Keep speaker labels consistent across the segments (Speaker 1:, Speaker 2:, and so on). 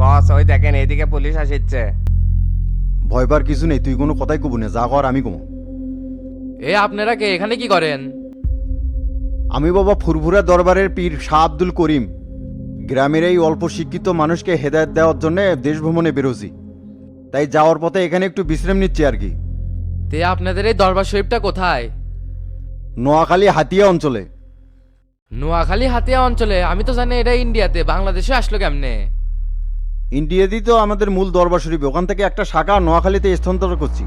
Speaker 1: বস ওই দেখেন এইদিকে পুলিশ আসছে।
Speaker 2: ভয় পার কিছু নেই, তুই কোনো কথাই কবু না, যা কর আমি কমো।
Speaker 3: এ আপনারা কে এখানে কি করেন?
Speaker 2: আমি বাবা ফুরফুরা দরবারের পীর শাহ আব্দুল করিম। গ্রামের এই অল্প শিক্ষিত মানুষকে হেদায়েত দেওয়ার জন্য দেশ ভ্রমণে বেরোছি, তাই যাওয়ার পথে এখানে একটু বিশ্রাম নিচ্ছি আর কি।
Speaker 3: তে আপনাদের এই দরবার শরীফটা কোথায়?
Speaker 2: নোয়াখালী হাতিয়া অঞ্চলে।
Speaker 3: নোয়াখালী হাতিয়া অঞ্চলে? আমি তো জানি এটা ইন্ডিয়াতে, বাংলাদেশে আসলো কেমনে?
Speaker 2: ইন্ডিয়াতেই তো আমাদের মূল দরবার শরীফ, ওখান থেকে একটা শাখা নোয়াখালীতে স্থানান্তর করছি।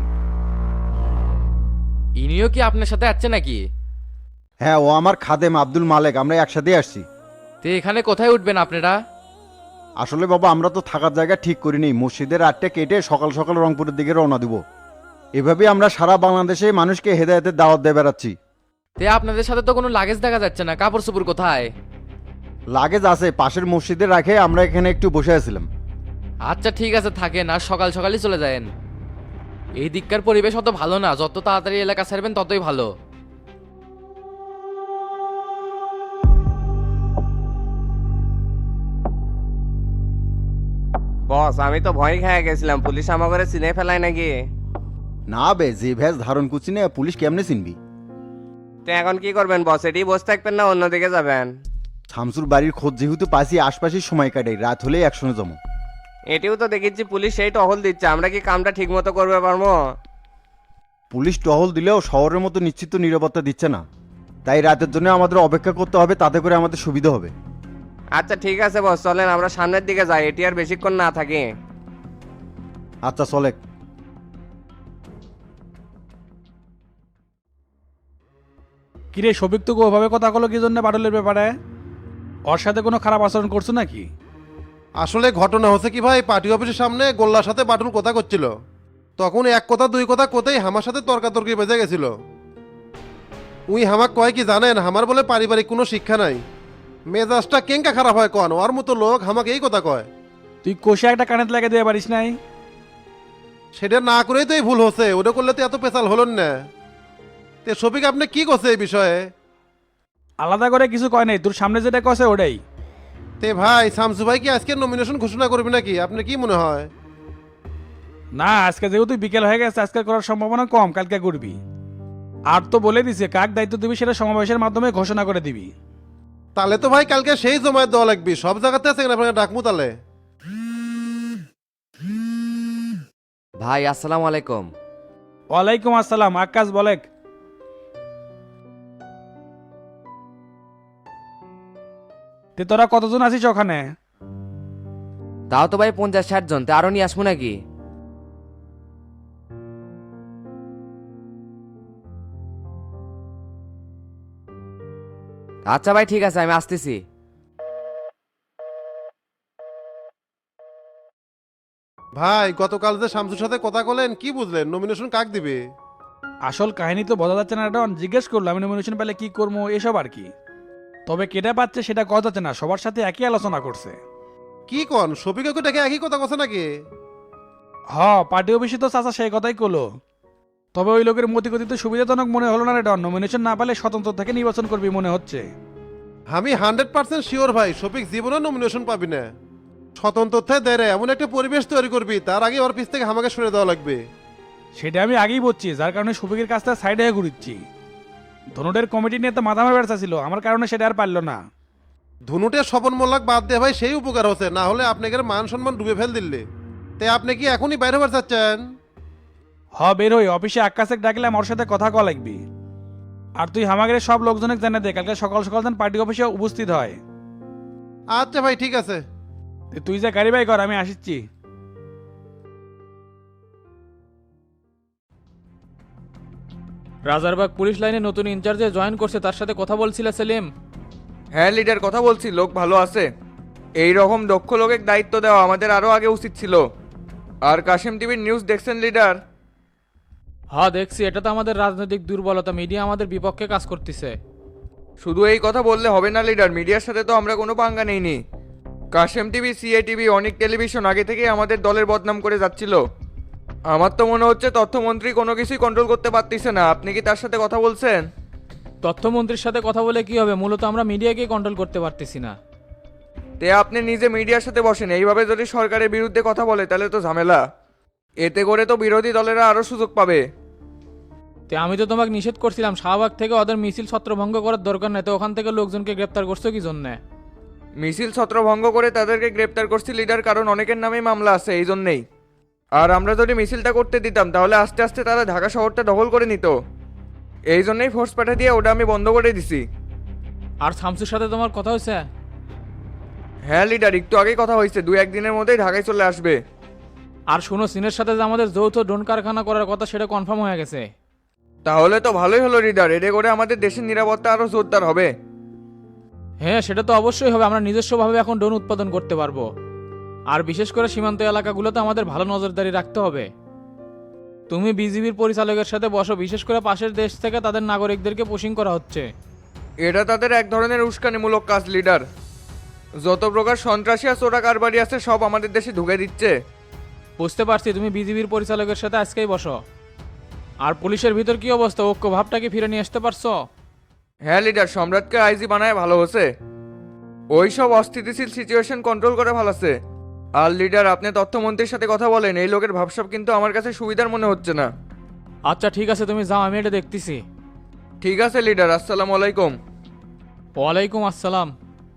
Speaker 3: ইনিও কি আপনার সাথে আসছে নাকি?
Speaker 2: হ্যাঁ, ও আমার খাদেম আব্দুল মালেক, আমরা একসাথেই আসছি।
Speaker 3: তে এখানে কোথায় উঠবেন আপনারা?
Speaker 2: আসলে বাবা আমরা তো থাকার জায়গা ঠিক করিনি, মসজিদের আটটা কেটে সকাল সকাল রংপুরের দিকে রওনা দিব। এভাবে আমরা সারা বাংলাদেশে মানুষকে হেদায়েতের দাওয়াত দিয়ে বেড়াচ্ছি।
Speaker 3: তে আপনাদের সাথে তো কোনো লাগেজ দেখা যাচ্ছে না, কাপড় চোপড় কোথায়?
Speaker 2: লাগেজ আছে পাশের মসজিদে রাখে, আমরা এখানে একটু বসে আছিলাম।
Speaker 3: আচ্ছা ঠিক আছে থাকেন, আর সকাল সকালই চলে যায়েন। এই দিককার পরিবেশ অত ভালো না, যত তাড়াতাড়ি এলাকা ছাড়বেন ততই ভালো।
Speaker 1: বস আমি তো ভয় খেয়ে গেছিলাম, পুলিশ আমাকে চিনে ফেলায় নাকি।
Speaker 2: না বে, যে ভ্যাস ধারণ করছি না, পুলিশ কেমনে চিনবি?
Speaker 1: তো এখন কি করবেন বস, এটি বসে থাকবেন না অন্যদিকে যাবেন?
Speaker 2: শামসুর বাড়ির খোঁজ যেহেতু পাইছি, আশপাশেই সময় কাটাই, রাত হলেই একসঙ্গে জমো।
Speaker 1: এটিও তো দেখেছি পুলিশ সেই টহল দিচ্ছে, আমরা কি কামটা ঠিক মতো করবে পারবো?
Speaker 2: পুলিশ টহল দিলেও শহরের মতো নিশ্চিত নিরাপত্তা দিচ্ছে না, তাই রাতের জন্য আমাদের অপেক্ষা করতে হবে, তাতে করে আমাদের সুবিধা হবে।
Speaker 1: আচ্ছা ঠিক আছে বস, চলেন আমরা সামনের দিকে যাই, এটি আর বেশিক্ষণ না থাকি।
Speaker 2: আচ্ছা চলে।
Speaker 4: কিরে সবিক তো ওভাবে কথা কলো কি জন্য বাটলের ব্যাপারে? ওর সাথে কোনো খারাপ আচরণ করছো নাকি?
Speaker 5: আসলে ঘটনা হচ্ছে কি ভাই, পার্টি অফিসের সামনে গোল্লার সাথে বাটুল কথা করছিল, তখন এক কথা দুই কথা কোথায় আমার সাথে তর্কাতর্কি বেজে গেছিল। উই হামাক কয় কি জানেন, আমার বলে পারিবারিক কোনো শিক্ষা নাই, মেজাজটা কেঙ্কা খারাপ হয় কন, ওর মতো লোক আমাকে এই কথা কয়।
Speaker 4: তুই কষে একটা কানেতে লাগে দিয়ে পারিস নাই?
Speaker 5: সেটা না করেই তো এই ভুল হচ্ছে, ওটা করলে তো এত পেশাল হলেন না। তে শফিক আপনি কি করছে এই বিষয়ে?
Speaker 4: আলাদা করে কিছু কয় নাই, তোর সামনে যেটা কছে ওটাই।
Speaker 5: তে ভাই শামসু ভাই কি আজকে নমিনেশন ঘোষণা করবে নাকি, আপনার কি মনে হয়?
Speaker 4: না, আজকে যেহেতু বিকেল হয়ে গেছে, আজকে করার সম্ভাবনা কম, কালকে করবি। আর তো বলে দিছে কাক দায়িত্ব দিবি সেটা সমাবেশের মাধ্যমে ঘোষণা করে দিবি।
Speaker 5: তাহলে তো ভাই কালকে সেই জমায়েত দেওয়া লাগবে, সব জায়গাতে আছে আপনাকে ডাকমু তাহলে।
Speaker 3: ভাই আসসালামু আলাইকুম।
Speaker 4: ওয়ালাইকুম আসসালাম, আকাশ বলেক। তে তোরা কতজন আছিস ওখানে?
Speaker 3: তাও তো ভাই 50-60 জন, তে আরো নিয়ে আসবো নাকি? আচ্ছা ভাই ঠিক আছে, আমি আসতেছি।
Speaker 5: ভাই গতকাল যে শামসুর সাথে কথা বলেন, কি বুঝলেন, নমিনেশন কাক দিবে?
Speaker 4: আসল কাহিনী তো বোঝা যাচ্ছে না, ডন জিজ্ঞেস করলাম আমি নমিনেশন পেলে কি করবো এসব আর কি। তবে কেটে পাচ্ছে সেটা কথা যাচ্ছে না, সবার সাথে একই আলোচনা করছে।
Speaker 5: কি কন, শফিকাকে ডেকে একই কথা কথা নাকি?
Speaker 4: হ, পার্টি অফিসে তো চাচা সেই কথাই কলো। তবে ওই লোকের মতিগতি তো সুবিধাজনক মনে হলো না রে ডন, নমিনেশন না পেলে স্বতন্ত্র থেকে নির্বাচন করবি মনে হচ্ছে।
Speaker 5: আমি 100% শিওর ভাই, শফিক জীবনে নমিনেশন পাবি না। স্বতন্ত্র দেয় রে, এমন একটা পরিবেশ তৈরি করবি, তার আগে ওর পিছ থেকে আমাকে সরে দেওয়া লাগবে।
Speaker 4: সেটা আমি আগেই বলছি, যার কারণে সুবিকের কাছ থেকে সাইডে হয়ে ঘুরিচ্ছি। ধনুটের কমিটি নিয়ে তো মাথা মারা ব্যবসা ছিল, আমার কারণে সেটা আর পারলো না।
Speaker 5: ধনুটের স্বপন মোল্লাক বাদ দিয়ে ভাই সেই উপকার হচ্ছে, না হলে আপনাকে মান সম্মান ডুবে ফেল দিল্লি। তে আপনি কি এখনই বাইরে হবার চাচ্ছেন?
Speaker 4: হ, বের হই, অফিসে আকাশে ডাকলাম, ওর সাথে কথা কওয়া লাগবি। আর তুই হামাগের সব লোকজনকে জানা দে, কালকে সকাল সকাল যেন পার্টি অফিসে উপস্থিত হয়।
Speaker 5: আচ্ছা ভাই ঠিক আছে।
Speaker 4: তুই যা গাড়ি বাই কর, আমি আসিচ্ছি।
Speaker 6: রাজারবাগ পুলিশ লাইনে নতুন ইনচার্জে জয়েন করছে, তার সাথে কথা বলছিল সেলিম।
Speaker 7: হ্যাঁ লিডার, কথা বলছি, লোক ভালো আছে। এই রকম দক্ষ লোকের দায়িত্ব দেওয়া আমাদের আরও আগে উচিত ছিল। আর কাশিম টিভির নিউজ দেখছেন লিডার?
Speaker 6: হ্যাঁ দেখছি, এটা তো আমাদের রাজনৈতিক দুর্বলতা, মিডিয়া আমাদের বিপক্ষে কাজ করতেছে।
Speaker 7: শুধু এই কথা বললে হবে না লিডার, মিডিয়ার সাথে তো আমরা কোনো পাঙ্গা নেইনি। কাশিম টিভি, সিএ টিভি, অনেক টেলিভিশন আগে থেকেই আমাদের দলের বদনাম করে যাচ্ছিল। আমার তো মনে হচ্ছে তথ্যমন্ত্রী কোনো কিছুই কন্ট্রোল করতে পারতেছে না। আপনি কি তার সাথে কথা বলছেন?
Speaker 6: তথ্যমন্ত্রীর সাথে কথা বলে কি হবে, মূলত আমরা মিডিয়াকে কন্ট্রোল করতে পারতেছি না।
Speaker 7: তে আপনি নিজে মিডিয়ার সাথে বসেন, এইভাবে যদি সরকারের বিরুদ্ধে কথা বলে তাহলে তো ঝামেলা। এতে করে তো বিরোধী দলেরা আরও সুযোগ পাবে।
Speaker 6: তে আমি তো তোমাকে নিষেধ করছিলাম শাহবাগ থেকে ওদের মিছিল ছত্রভঙ্গ করার দরকার নেই, তো ওখান থেকে লোকজনকে গ্রেপ্তার করছো কি জন্যে?
Speaker 7: মিছিল ছত্রভঙ্গ করে তাদেরকে গ্রেপ্তার করছি লিডার, কারণ অনেকের নামেই মামলা আছে এই জন্যেই। আর আমরা যদি মিছিলটা করতে দিতাম তাহলে আস্তে আস্তে তারা ঢাকা শহরটা দখল করে নিত। এই জন্যই ফোর্স পাঠা দিয়ে ওটা আমি বন্ধ করে দিছি।
Speaker 6: আর শামসুর সাথে তোমার কথা হয়েছে?
Speaker 7: হ্যাঁ লিডার, একটু আগেই কথা হয়েছে, 2-1 দিনের মধ্যেই ঢাকায় চলে আসবে।
Speaker 6: আর শোনো, চীনের সাথে যে আমাদের যৌথ ড্রোন কারখানা করার কথা সেটা কনফার্ম হয়ে গেছে।
Speaker 7: তাহলে তো ভালোই হলো লিডার, এতে করে আমাদের দেশের নিরাপত্তা আরও জোরদার হবে।
Speaker 6: হ্যাঁ সেটা তো অবশ্যই হবে, আমরা নিজস্বভাবে এখন ড্রোন উৎপাদন করতে পারবো। আর বিশেষ করে সীমান্ত এলাকাগুলোতে আমাদের ভালো নজরদারি রাখতে হবে। তুমি বিজিবির পরিচালকের সাথে বসো, বিশেষ করে পাশের দেশ থেকে তাদের নাগরিকদেরকে পুশিং করা হচ্ছে।
Speaker 7: এটা তাদের এক ধরনের উস্কানিমূলক কাজ লিডার। যত প্রকার সন্ত্রাসী আর চোরা কারবারি আছে সব আমাদের দেশে ঢুকে দিচ্ছে।
Speaker 6: বুঝতে পারছি, তুমি বিজিবির পরিচালকের সাথে আজকেই বসো। আর পুলিশের ভিতর কি অবস্থা, ঐক্য ভাবটা কি ফিরে নিয়ে আসতে পারছো?
Speaker 7: হ্যাঁ লিডার, সম্রাটকে আইজি বানায় ভালো হচ্ছে, ওই সব অস্থিতিশীল সিচুয়েশন কন্ট্রোল করে ভালোছে। আর লিডার, আপনি তথ্যমন্ত্রীর সাথে কথা বলেন, এই লোকের ভাবসাব কিন্তু আমার কাছে সুবিধার মনে হচ্ছে না।
Speaker 6: আচ্ছা ঠিক আছে, তুমি যাও, আমি এটা দেখতেছি।
Speaker 7: ঠিক আছে লিডার, আসসালামু আলাইকুম।
Speaker 6: ওয়ালাইকুম আসসালাম।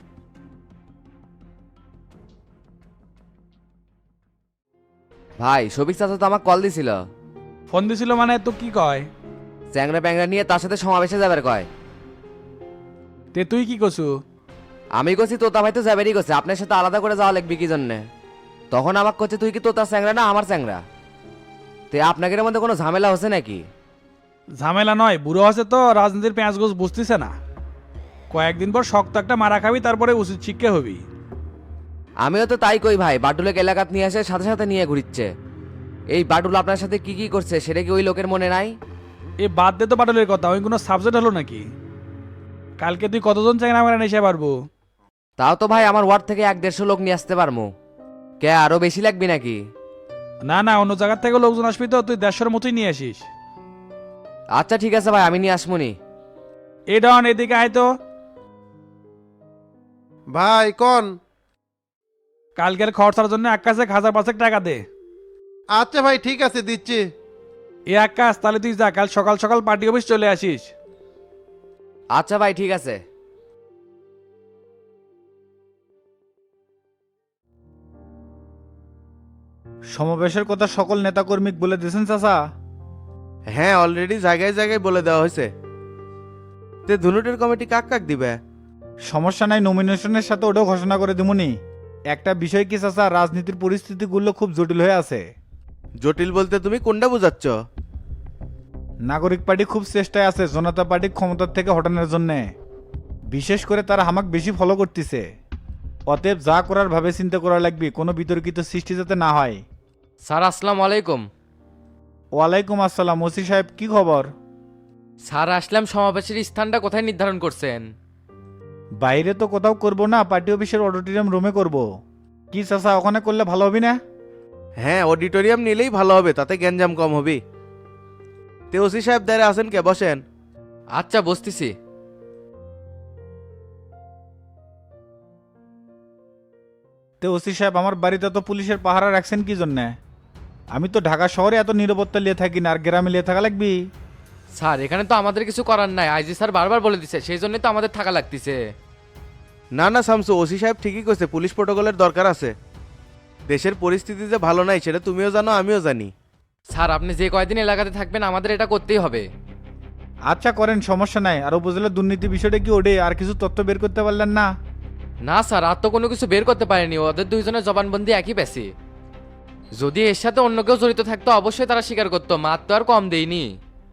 Speaker 1: ভাই শফিক চাচা তো আমাকে কল দিছিল,
Speaker 4: ফোন দিছিল মানে তো কি কয়?
Speaker 1: চ্যাংরা প্যাংরা নিয়ে তার সাথে সমাবেশে যাবার কয়।
Speaker 4: তে তুই কি কছু?
Speaker 1: আমি কছি তোতা ভাই তো যাবেরই কছে, আপনার সাথে আলাদা করে যাওয়া লাগবে কি জন্যে। তখন আমাকে কচ্ছে তুই কি তোতার চ্যাংরা না আমার চ্যাংরা। তে আপনাদের মধ্যে কোনো ঝামেলা হচ্ছে নাকি?
Speaker 4: ঝামেলা নয়, বুড়ো আছে তো রাজনীতির পেঁয়াজ গোছ বুঝতেছে না। কয়েকদিন পর শক্ত একটা মারা খাবি, তারপরে উচিত শিক্ষা হবি।
Speaker 1: আমিও তো তাই কই ভাই, বাটুলেক এলাকাত নিয়ে আসে সাথে সাথে নিয়ে ঘুরিচ্ছে। এই বাটুল আপনার সাথে কি কি করছে সেটা কি ওই লোকের মনে নাই?
Speaker 4: এ বাদ দে তো বাটলের কথা, ওই কোনো সাবজেক্ট হলো নাকি? কালকে তুই কতজন চ্যাংরা মেরা নিয়ে পারবো?
Speaker 1: তাও তো ভাই আমার ওয়ার্ড থেকে 1-150 লোক নিয়ে আসতে পারবো। কে আরো বেশি লাগবে নাকি?
Speaker 4: না না, অন্য জায়গার থেকে লোকজন আসবি তো, তুই 150-র মতোই নিয়ে আসিস।
Speaker 1: আচ্ছা ঠিক আছে ভাই, আমি নিয়ে আসমুনি।
Speaker 4: এই ডন এদিকে আয় তো।
Speaker 5: ভাই কন।
Speaker 4: কালকের খরচার জন্য এক কাছে 1000-500 টাকা দে।
Speaker 5: আচ্ছা ভাই ঠিক আছে, দিচ্ছি।
Speaker 4: এ এক কাজ, তাহলে তুই যা, কাল সকাল সকাল পার্টি অফিস চলে আসিস।
Speaker 1: আচ্ছা ভাই ঠিক আছে।
Speaker 2: সমাবেশের কথা সকল নেতাকর্মী বলে দিয়েছেন চাচা?
Speaker 8: হ্যাঁ, অলরেডি জায়গায় জায়গায় বলে দেওয়া হয়েছে। তে ধুনুটের কমিটি কাক কাক দিবে?
Speaker 2: সমস্যা নাই, নমিনেশনের সাথে ওটাও ঘোষণা করে দিমুনি। একটা বিষয় কি চাচা, রাজনীতির পরিস্থিতিগুলো খুব জটিল হয়ে আছে।
Speaker 8: জটিল বলতে তুমি কোনটা বোঝাচ্ছ?
Speaker 2: নাগরিক পার্টি খুব চেষ্টায় আছে জনতা পার্টি ক্ষমতার থেকে হটানোর জন্যে। বিশেষ করে তারা হামাক বেশি ফলো করতেছে। অতএব যা করার ভাবে চিন্তা করা লাগবে, কোনো বিতর্কিত সৃষ্টি যাতে না হয়।
Speaker 3: স্যার আসসালামু আলাইকুম।
Speaker 2: ওয়ালাইকুম আসসালাম। ওসি সাহেব কি খবর?
Speaker 3: স্যার আসলাম, সমাবেশের স্থানটা কোথায় নির্ধারণ করছেন?
Speaker 2: বাইরে তো কোথাও করব না, পার্টি অফিসের অডিটোরিয়াম রুমে করব। কি চাচা, ওখানে করলে ভালো হবে না?
Speaker 8: হ্যাঁ, অডিটোরিয়াম নিলেই ভালো হবে, তাতে গ্যাঞ্জাম কম হবে। তে ওসি সাহেব দাঁড়িয়ে আছেন কে, বসেন।
Speaker 3: আচ্ছা বসতেছি।
Speaker 2: তো ওসি সাহেব, আমার বাড়িতে তো পুলিশের পাহারা রাখছেন কি জন্যে? আমি তো ঢাকা শহরে এত নিরাপত্তা লিয়ে থাকি না, আর গ্রামে লিয়ে থাকা লাগবি?
Speaker 3: স্যার এখানে তো আমাদের কিছু করার নাই, আইজি স্যার বারবার বলে দিছে, সেই জন্যই তো আমাদের থাকা লাগতেছে।
Speaker 8: না না শামসু, ওসি সাহেব ঠিকই কইছে, পুলিশ প্রোটোকলের দরকার আছে। দেশের পরিস্থিতি যে ভালো নাই সেটা তুমিও জানো, আমিও জানি।
Speaker 3: স্যার আপনি যে কয়দিন এলাকাতে থাকবেন আমাদের এটা করতেই হবে।
Speaker 2: আচ্ছা করেন, সমস্যা নাই। আর উপজেলার দুর্নীতি বিষয়টা কি ওডে আর কিছু তথ্য বের করতে পারলেন না?
Speaker 3: না স্যার, আর তো কোনো কিছু বের করতে পারেনি, ওদের দুইজনের জবানবন্দি একই পেছি। যদি এর সাথে অন্য কেউ জড়িত থাকতো অবশ্যই তারা স্বীকার করতো, মার তো আর কম দেয়নি।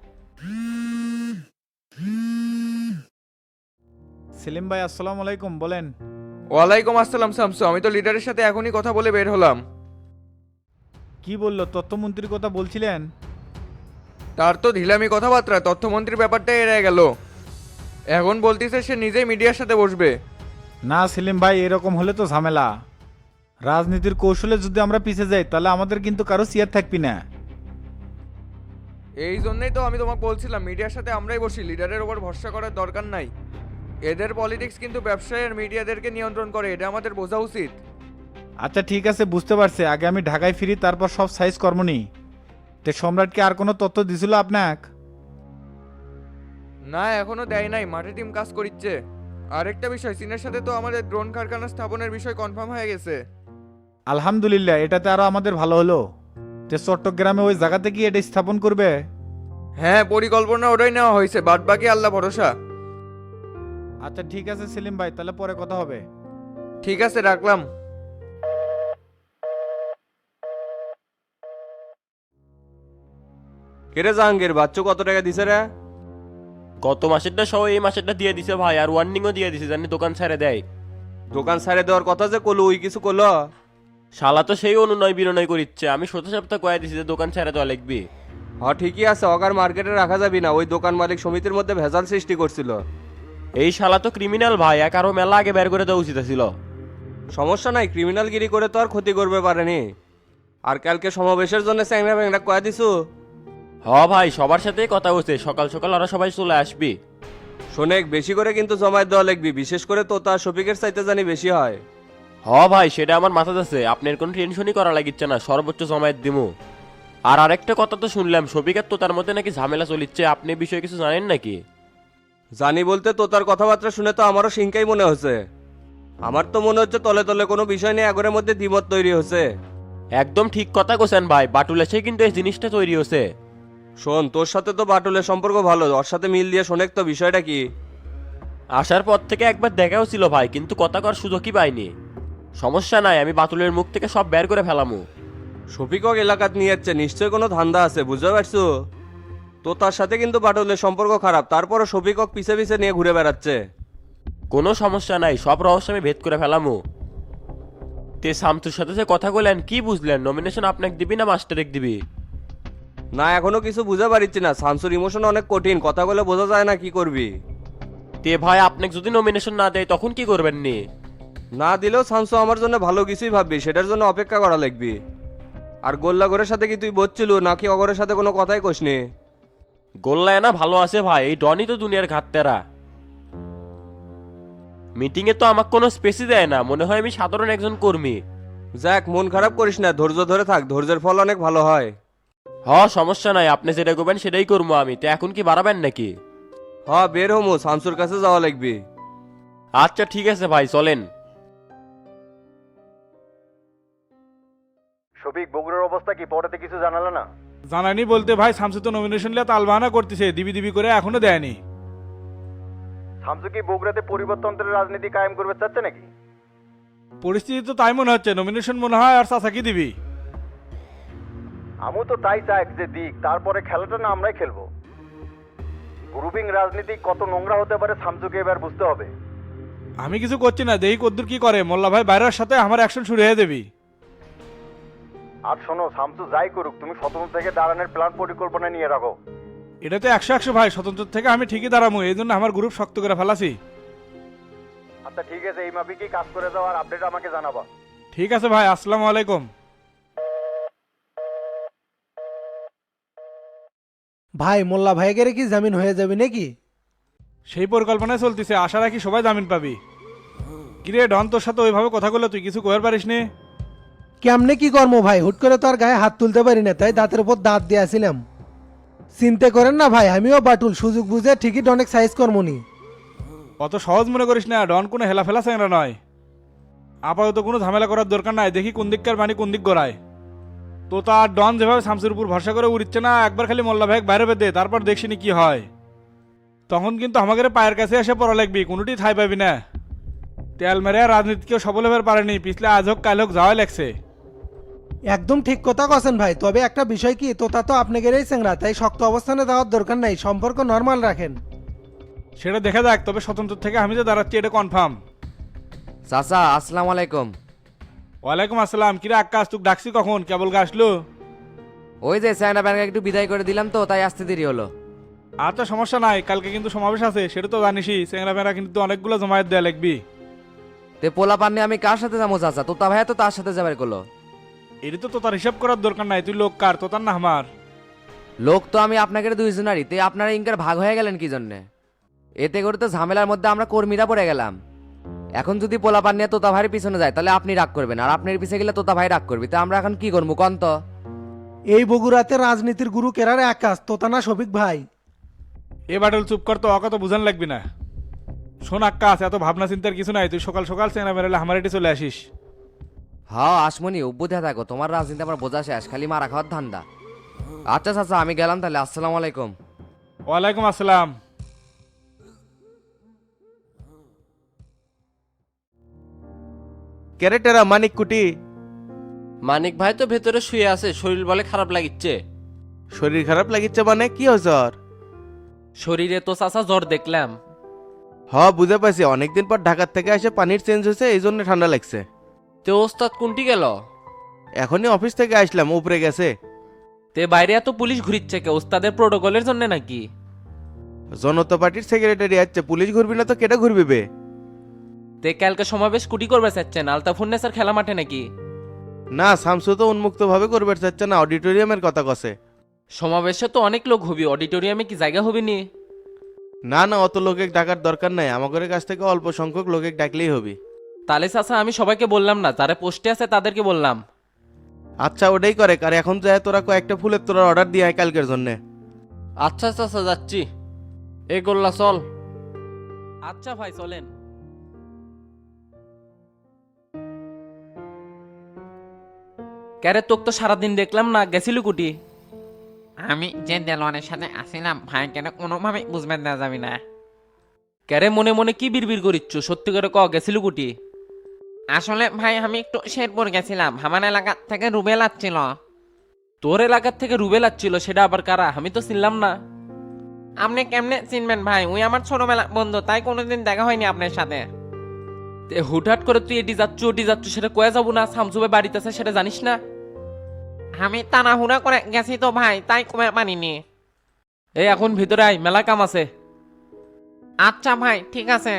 Speaker 2: সেলিম ভাই আসসালামু আলাইকুম, বলেন।
Speaker 7: ওয়ালাইকুম আসসালাম শামসু, আমি তো লিডারের সাথে এখনই কথা বলে বের হলাম।
Speaker 2: কি বললো? তথ্যমন্ত্রীর কথা বলছিলেন?
Speaker 7: তার তো ঢিলামি কথাবার্তা, তথ্যমন্ত্রীর ব্যাপারটা এড়ে গেল। এখন বলতিছে সে নিজেই মিডিয়ার সাথে বসবে।
Speaker 2: না সেলিম ভাই, এরকম হলে তো ঝামেলা। রাজনীতির কৌশলে যদি আমরা পিছিয়ে যাই তাহলে আমাদের কিন্তু কারো চেয়ার থাকবি না।
Speaker 7: এই জন্যই তো আমি তোমাকে বলছিলাম মিডিয়ার সাথে আমরাই বসি, লিডারের ওপর ভরসা করার দরকার নাই। এদের পলিটিক্স কিন্তু ব্যবসায়ী আর মিডিয়াদেরকে নিয়ন্ত্রণ করে, এটা আমাদের বোঝা উচিত।
Speaker 9: আচ্ছা ঠিক আছে, বুঝতে পারছি। আগে আমি ঢাকায় ফিরি, তারপর সব সাইজ কর্মনি। তে সম্রাটকে আর কোনো তথ্য দিছিল আপনাক?
Speaker 7: না, এখনো দেয় নাই, মাঠে টিম কাজ করিচ্ছে। আরেকটা বিষয়, চীনের সাথে তো আমাদের ড্রোন কারখানা স্থাপনের বিষয় কনফার্ম হয়ে গেছে।
Speaker 9: আলহামদুলিল্লাহ, এটাতে আরো আমাদের ভালো হলো। তে চট্টগ্রামে ওই জায়গাতে কি এটা স্থাপন করবে?
Speaker 7: হ্যাঁ, পরিকল্পনা ওটাই নেওয়া হয়েছে, বাদ বাকি আল্লাহ ভরসা।
Speaker 9: আচ্ছা ঠিক আছে সেলিম ভাই, তাহলে পরে কথা হবে।
Speaker 7: ঠিক আছে, রাখলাম।
Speaker 10: কেরে জাহাঙ্গীর, বাচ্চু কত টাকা দিছে রে?
Speaker 11: গত মাসেরটা সহ এই মাসেরটা দিয়ে দিছে ভাই, আর ওয়ার্নিংও দিয়ে দিছে জানি দোকান ছেড়ে দেয়।
Speaker 10: দোকান ছাড়ে দেওয়ার কথা যে কলো, ওই কিছু কলো?
Speaker 11: শালা তো সেই অনুনয় বিনয় করিচ্ছে, আমি শত সপ্তাহ কয়ে দিছি যে দোকান ছেড়ে দেওয়া লিখবি।
Speaker 10: হ্যাঁ ঠিকই আছে, অগার মার্কেটে রাখা যাবি না, ওই দোকান মালিক সমিতির মধ্যে ভেজাল সৃষ্টি করছিল।
Speaker 11: এই শালা তো ক্রিমিনাল ভাই, এক আরো মেলা আগে বের করে দেওয়া উচিত ছিল।
Speaker 10: সমস্যা নাই, ক্রিমিনালগিরি করে তো আর ক্ষতি করবে পারেনি। আর কালকে সমাবেশের জন্য চ্যাংরা ব্যাংরা কয়া দিছু?
Speaker 11: হ ভাই, সবার সাথেই কথা হচ্ছে, সকাল সকাল ওরা সবাই চলে আসবি।
Speaker 10: শোনেক, বেশি করে কিন্তু জমায়েত দেওয়া লিখবি, বিশেষ করে তোতা শফিকের চাইতে জানি বেশি হয়।
Speaker 11: হ ভাই, সেটা আমার মাথাতে আছে, আপনার কোনো টেনশনই করা লাগিচ্ছে না, সর্বোচ্চ জমায়েত দিমু। আর আরেকটা কথা তো শুনলাম, শফিকের তো তার মধ্যে নাকি ঝামেলা চলিচ্ছে, আপনি এই বিষয়ে কিছু জানেন নাকি?
Speaker 10: জানি বলতে তোতার কথাবার্তা শুনে তো আমারও সিংকাই মনে হচ্ছে। আমার তো মনে হচ্ছে তলে তলে কোনো বিষয় নিয়ে আগরের মধ্যে দ্বিমত তৈরি হচ্ছে।
Speaker 11: একদম ঠিক কথা কোসেন ভাই, বাটুল এসে কিন্তু এই জিনিসটা তৈরি হচ্ছে।
Speaker 10: শোন, তোর সাথে তো বাটুলের সম্পর্ক ভালো, ওর সাথে মিল দিয়ে শোনেক তো বিষয়টা কি।
Speaker 11: আসার পর থেকে একবার দেখাও ছিল ভাই, কিন্তু কথা কর সুযোগই পাইনি। সমস্যা নাই, আমি বাতুলের মুখ থেকে সব বের করে ফেলামু।
Speaker 10: শফিকক এলাকাত নিয়ে যাচ্ছে, নিশ্চয় কোনো ধান্দা আছে, বুঝতে পারছো? তো তার সাথে কিন্তু বাটুলের সম্পর্ক খারাপ, তারপরও শফিকক পিছে পিছে নিয়ে ঘুরে বেড়াচ্ছে।
Speaker 11: কোনো সমস্যা নাই, সব রহস্য আমি ভেদ করে ফেলামু। তে শামসুর সাথে যে কথা বললেন, কি বুঝলেন? নমিনেশন আপনাকে দিবি না মাস্টারেক দিবি?
Speaker 10: না, এখনো কিছু বুঝতে পারছি না, শামসুর ইমোশন অনেক কঠিন, কথা বলে বোঝা যায় না কি করবি।
Speaker 11: তে ভাই, আপনাকে যদি নমিনেশন না দেয় তখন কি করবেন নি?
Speaker 10: না দিলেও শামসু আমার জন্য ভালো কিছুই ভাববি, সেটার জন্য অপেক্ষা করা লাগবি। আর গোল্লাগরের সাথে কি তুই বলছিল নাকি অগরের সাথে কোনো কথাই কসনি?
Speaker 11: গোল্লায় না ভালো আছে ভাই, এই ডনই তো দুনিয়ার ঘাটতেরা। মিটিংয়ে তো আমাকে কোনো স্পেসই দেয় না, মনে হয় আমি সাধারণ একজন কর্মী।
Speaker 10: যাক, মন খারাপ করিস না, ধৈর্য ধরে থাক, ধৈর্যের ফল অনেক ভালো হয়।
Speaker 11: সমস্যা নাই, আপনি যেটা করবেন সেটাই করবো আমি। তো এখন কি বাড়াবেন নাকি?
Speaker 10: বের হমু, শামসুর কাছে যাওয়া লাগবি।
Speaker 11: আচ্ছা ঠিক আছে ভাই, চলেন।
Speaker 2: শফিক, বগুড়ার অবস্থা কি? পরেতে কিছু জানালে না?
Speaker 4: জানানি বলতে ভাই, শামসু তো নমিনেশন লিয়ে তালবাহানা করতেছে, দিবি দিবি করে এখনো দেয়নি।
Speaker 2: শামসু কি বগুড়াতে পরিবর্তনের রাজনীতি কায়েম করবে চাচ্ছে নাকি?
Speaker 4: পরিস্থিতি তো তাই মনে হচ্ছে, নমিনেশন মনে হয় আর চাচা কি দিবি।
Speaker 2: আমিও তো তাই চাই যে দিক, তারপরে খেলাটা না আমরাই খেলবো। গ্রুপিং রাজনীতি কত নোংরা হতে পারে শামসুকে এবার বুঝতে হবে।
Speaker 4: আমি কিছু করছি না, দেখি কদ্দুর কি করে। মোল্লা ভাই বাইরের সাথে আমার অ্যাকশন শুরু হয়ে দেবি।
Speaker 2: আর শোনো, শামসু যাই করুক, তুমি স্বতন্ত্র থেকে দাঁড়ানোর প্ল্যান পরিকল্পনা নিয়ে রাখো।
Speaker 4: এটা তো 100-100 ভাই, স্বতন্ত্র থেকে আমি ঠিকই দাঁড়াবো, এই জন্য আমার গ্রুপ শক্ত করে ফেলাছি।
Speaker 2: আচ্ছা ঠিক আছে, এই মাফিকই কাজ করে দাও, আর আপডেট আমাকে জানাবা।
Speaker 4: ঠিক আছে ভাই, আসসালামু আলাইকুম।
Speaker 12: ভাই, মোল্লা ভাইয়ের কি জামিন হয়ে যাবে নাকি?
Speaker 4: সেই পরিকল্পনায় চলতেছে, আশা রাখি সবাই জামিন পাবি। কিরে ডন, তোর সাথে ওইভাবে কথা বললে তুই কিছু কইতে পারিস নি?
Speaker 12: কেমনে কি কর্ম ভাই, হুট করে তো আর গায়ে হাত তুলতে পারি না, তাই দাঁতের উপর দাঁত দিয়েছিলাম। চিন্তা করেন না ভাই, আমিও বাটুল, সুযোগ বুঝে ঠিকই অনেক সাইজ কর্মনি।
Speaker 4: অত সহজ মনে করিস না, ডন কোনো হেলাফেলা চ্যাংরা নয়। আপাতত কোনো ঝামেলা করার দরকার নাই, দেখি কোন দিককার বাণী কোন দিক গড়ায়। তো তার ডন যেভাবে শামসুর উপর ভরসা করে উড়িচ্ছে না, একবার খালি মোল্লা ভাই বাইরে বেঁধে তারপর দেখছিনি কি হয়। তখন কিন্তু আমাদের পায়ের কাছে এসে পড়া লাগবি, কোনোটি ঠাই পাবি না। তেল মেরে রাজনীতিকেও সফল হবার পারেনি, পিছলে আজ হোক কাল হোক যাওয়াই লাগছে।
Speaker 12: একদম ঠিক কথা কছেন ভাই, তবে একটা বিষয় কি, তোতা তো আপনাদেরই চেংরা, তাই শক্ত অবস্থানে দেওয়ার দরকার নাই, সম্পর্ক নর্মাল রাখেন।
Speaker 4: সেটা দেখা যাক, তবে স্বতন্ত্র থেকে আমি যে দাঁড়াচ্ছি এটা কনফার্ম।
Speaker 1: চাচা, আসসালামু আলাইকুম।
Speaker 4: ওয়ালাইকুম আসসালাম। কিরে আক্কাস, তুই ডাকছি কখন? কেবল আসলো?
Speaker 1: ওই যে চায়না ব্যাংকে একটু বিদায় করে দিলাম তো, তাই আসতে দেরি হলো।
Speaker 4: আচ্ছা সমস্যা নাই, কালকে কিন্তু সমাবেশ আছে, সেটা তো জানিসই। চেংরা মেয়েরা কিন্তু অনেকগুলো জমায়েত দেয়া লাগবি।
Speaker 1: তে পোলা পান্নে আমি কার সাথে যাবো চাচা? তোতা ভাইয়া তো তার সাথে যাবার করলো।
Speaker 4: এটা তো তোর হিসাব করার দরকার নাই, তুই লোক কার, তোতার না আমার?
Speaker 1: লোক তো আমি আপনাকে দুইজনারই, তে আপনারা ইনকার ভাগ হয়ে গেলেন কি জন্যে? এতে করে তো ঝামেলার মধ্যে আমরা কর্মীরা পড়ে গেলাম। এখন যদি পোলাপান নিয়ে তোতা ভাইয়ের পিছনে যায় তাহলে আপনি রাগ করবেন, আর আপনার পিছিয়ে গেলে তোতা ভাই রাগ করবি। তা আমরা এখন কি করবো কন তো?
Speaker 12: এই বগুড়াতে রাজনীতির গুরু কেরার একাশ তোতা না শফিক ভাই।
Speaker 4: এ বাটুল চুপ কর তো, অকা তো বুঝান লাগবি না। শোন আক্কাস, এত ভাবনা চিন্তার কিছু নাই, তুই সকাল সকাল চেনা বেরোলে আমার এটি চলে আসিস।
Speaker 1: হ্যাঁ আসমনি অভ্যুদে থাকো, তোমার রাজনীতি আমার বোঝা শেষ, খালি মারা খাওয়ার ধান্দা। আচ্ছা চাচা আমি গেলাম তাহলে, আসসালামু আলাইকুম।
Speaker 4: ওয়ালাইকুম আসসালাম।
Speaker 8: ক্যারেটেরা মানিক কুটি।
Speaker 11: মানিক ভাই তো ভেতরে শুয়ে আছে, শরীর বলে খারাপ লাগিচ্ছে।
Speaker 8: শরীর খারাপ লাগিচ্ছে মানে কি হয়েছে ওর?
Speaker 11: শরীরে তো চাচা জ্বর দেখলাম।
Speaker 8: বুঝে পাইছি, অনেকদিন পর ঢাকার থেকে এসে পানির চেঞ্জ হয়েছে, এই জন্য ঠান্ডা লাগছে।
Speaker 11: তে ওস্তাদ কোনটি গেল?
Speaker 8: এখনই অফিস থেকে আসলাম, উপরে গেছে।
Speaker 11: তে বাইরে এত পুলিশ ঘুরিচ্ছে কে, ওস্তাদের প্রোটোকলের জন্য নাকি?
Speaker 8: জনতা পার্টির সেক্রেটারি আছে, পুলিশ ঘুরবি না তো কেটে ঘুরবি বে?
Speaker 11: তে কালকে সমাবেশ কুটি করবে চাচ্ছেন আলতা ফুন্নেসার খেলা মাঠে নাকি?
Speaker 8: না, শামসু তো উন্মুক্ত ভাবে করবে চাচ্ছে না, অডিটোরিয়ামের কথা কছে।
Speaker 11: সমাবেশে তো অনেক লোক হবি, অডিটোরিয়ামে কি জায়গা হবি নি?
Speaker 8: না না, অত লোকে ডাকার দরকার নাই, আমাদের কাছ থেকে অল্প সংখ্যক লোকে ডাকলেই হবে।
Speaker 11: তাহলে চাচা আমি সবাইকে বললাম না, যারা পোস্টে আছে তাদেরকে বললাম।
Speaker 8: আচ্ছা ওটাই করে, আর এখন যায় তোরা কয়েকটা ফুলের তোরা অর্ডার দিয়ে আয় কালকের জন্য।
Speaker 11: আচ্ছা চাচা যাচ্ছি। এ গোল্লা চল। আচ্ছা ভাই চলেন। ক্যারে তোক তো সারাদিন দেখলাম না, গেছিলি কুটি?
Speaker 13: আমি যে দেলোয়ানের সাথে আসিলাম ভাই কেন কোনোভাবে বুঝবেন না যাবি না।
Speaker 11: ক্যারে মনে মনে কি বিড়বিড় করিচ্ছ, সত্যি করে ক গেছিলি কুটি?
Speaker 13: আসলে ভাই আমি একটু শেরপুর গেছিলাম, আমার এলাকা থেকে রুবেল আসছিল।
Speaker 11: তোর এলাকার থেকে রুবেল আসছিল, সেটা আবার কারা? আমি তো চিনলাম না।
Speaker 13: আপনি কেমনে চিনবেন ভাই, ওই আমার ছোটবেলা বন্ধু, তাই কোনোদিন দেখা হয়নি আপনার সাথে।
Speaker 11: তে হুটহাট করে তুই এটি যাচ্ছ ওটি যাচ্ছ, সেটা কয়ে যাবো না? শামসুবে বাড়িতে আছে সেটা জানিস না?
Speaker 13: আমি তাড়াহুড়া করে গেছি তো ভাই, তাই কমে মানিনি।
Speaker 11: এই এখন ভিতরে আয়, মেলা কাম আছে।
Speaker 13: আচ্ছা ভাই ঠিক আছে।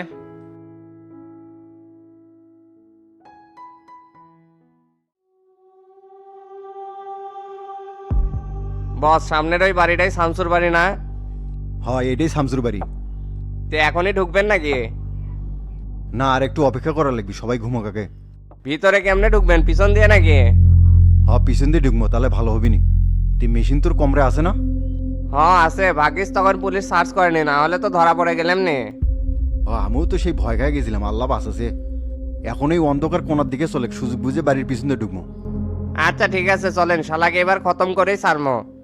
Speaker 1: বস সামনের ওই বাড়িটাই শামসুর বাড়ি না?
Speaker 2: এটাই শামসুর বাড়ি।
Speaker 1: তে এখনই ঢুকবেন নাকি?
Speaker 2: না, আর একটু অপেক্ষা করা লাগবে, সবাই ঘুমো কাকে।
Speaker 1: ভিতরে কেমনে ঢুকবেন, পিছন দিয়ে নাকি?
Speaker 2: পিছন দিয়ে ঢুকবো, তাহলে ভালো হবে নি। তুই মেশিন তোর কমরে আছে না?
Speaker 1: আছে, ভাগ্যিস তখন পুলিশ সার্চ করেনি, না হলে তো ধরা পড়ে গেলাম নে।
Speaker 2: আমিও তো সেই ভয় খায় গেছিলাম, আল্লাহ বাঁচাছে। এখন এই অন্ধকার কোনার দিকে চলে, সুযোগ বুঝে বাড়ির পিছন দিয়ে ঢুকবো।
Speaker 1: আচ্ছা ঠিক আছে চলেন, শালাকে এবার খতম করেই ছাড়মো।